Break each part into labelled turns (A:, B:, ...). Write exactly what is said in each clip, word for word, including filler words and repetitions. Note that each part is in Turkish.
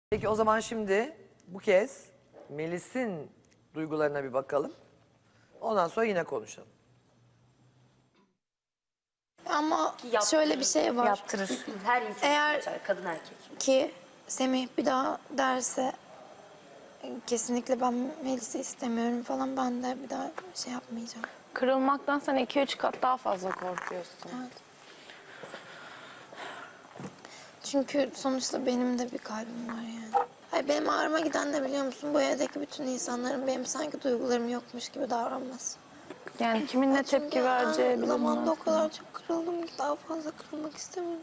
A: Peki o zaman şimdi bu kez Melis'in duygularına bir bakalım. Ondan sonra yine konuşalım.
B: Ama
C: Yaptırır,
B: şöyle bir şey var.
C: Yaptırır. Her insan
B: Eğer-
C: yapar, kadın erkek.
B: Ki Semih bir daha derse kesinlikle ben Melis'i istemiyorum falan, ben de bir daha şey yapmayacağım.
D: Kırılmaktan sen iki üç kat daha fazla korkuyorsun.
B: Evet. Çünkü sonuçta benim de bir kalbim var yani. Hayır, benim ağrıma giden de biliyor musun? Bu evdeki bütün insanların benim sanki duygularım yokmuş gibi davranması.
D: Yani kimin ne
B: Çünkü
D: tepki vereceği
B: aynı zamanda o
D: bilinmez.
B: kadar çok kırıldım ki daha fazla kırılmak istemiyorum.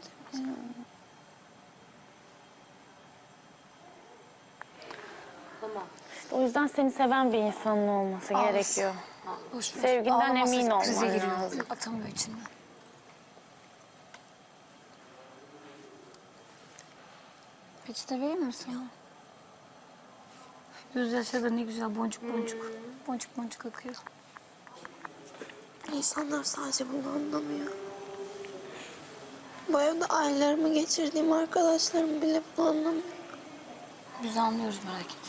C: Tamam.
D: O yüzden seni seven bir insanın olması gerekiyor.
E: Boş ver.
D: Sevginden
E: Ağlaması
D: emin olman
E: krize giriyor.
D: lazım.
E: Atamıyor içinden. Peçete verir misin ya? Gözyaşları da ne güzel boncuk boncuk. Boncuk boncuk akıyor.
B: İnsanlar sadece bunu anlamıyor. Bu evde aylarımı geçirdiğim arkadaşlarım bile bunu anlamıyor.
E: Biz anlıyoruz, merak etme.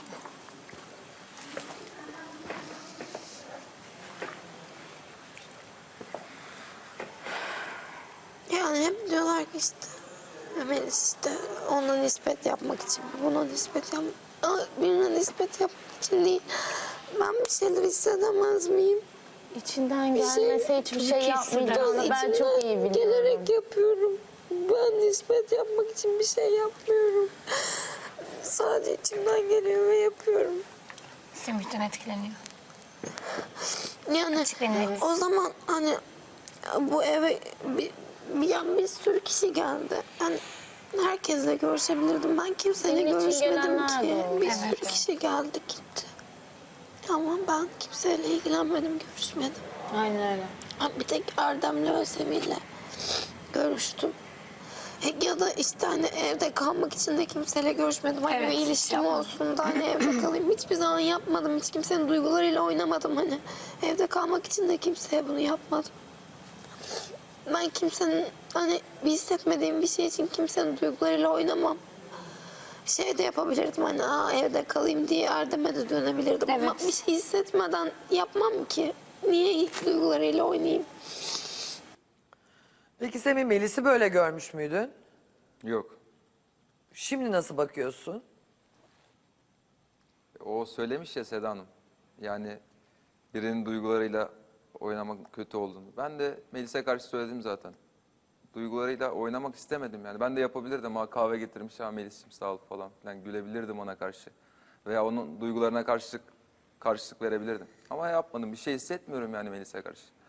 B: Yani hep diyorlar ki işte Melis işte ona nispet yapmak için, buna nispet yapmak, birine nispet yapmak için değil. Ben bir şeyler hissedemez miyim?
D: İçinden
B: Bir şey-
D: gelmese hiçbir şey yapmayacağını ben çok iyi biliyorum.
B: Gelerek yapıyorum. Ben nispet yapmak için bir şey yapmıyorum. Sadece içimden geliyor ve yapıyorum.
E: Semih'ten etkileniyor.
B: Yani
E: Açıklayın.
B: o zaman hani bu eve bir, bir, yani bir sürü kişi geldi. Yani herkesle görüşebilirdim. Ben kimseyle
D: Senin için
B: görüşmedim
D: gelenler
B: ki.
D: de oldu.
B: Bir
E: Evet,
B: sürü
E: evet.
B: kişi geldi gitti. Ama ben kimseyle ilgilenmedim, görüşmedim.
D: Aynen öyle.
B: Ha, bir tek Erdem'le ve Semih'le görüştüm. E, Ya da işte hani evde kalmak için de kimseyle görüşmedim. Hani
E: Evet,
B: bir
E: hiç
B: ilişkim
E: yapmadım.
B: olsun da hani evde kalayım. Hiçbir zaman yapmadım. Hiç kimsenin duygularıyla oynamadım hani. Evde kalmak için de kimseye bunu yapmadım. Ben kimsenin hani bir hissetmediğim bir şey için kimsenin duygularıyla oynamam. Şey de yapabilirdim hani Aa, evde kalayım diye Erdem'e de dönebilirdim. Ama
E: Evet.
B: bir şey hissetmeden yapmam ki. Niye duygularıyla oynayayım?
A: Peki Semih, Melis'i böyle görmüş müydün?
F: Yok.
A: Şimdi nasıl bakıyorsun?
F: O söylemiş ya Seda Hanım. Yani birinin duygularıyla oynamak kötü olduğunu. Ben de Melis'e karşı söyledim zaten. Duygularıyla oynamak istemedim yani. Ben de yapabilirdim. Ha kahve getirmiş ha Melis'ciğim sağ ol falan filan. Gülebilirdim ona karşı. Veya onun duygularına karşılık karşılık verebilirdim. Ama yapmadım. Bir şey hissetmiyorum yani Melis'e karşı.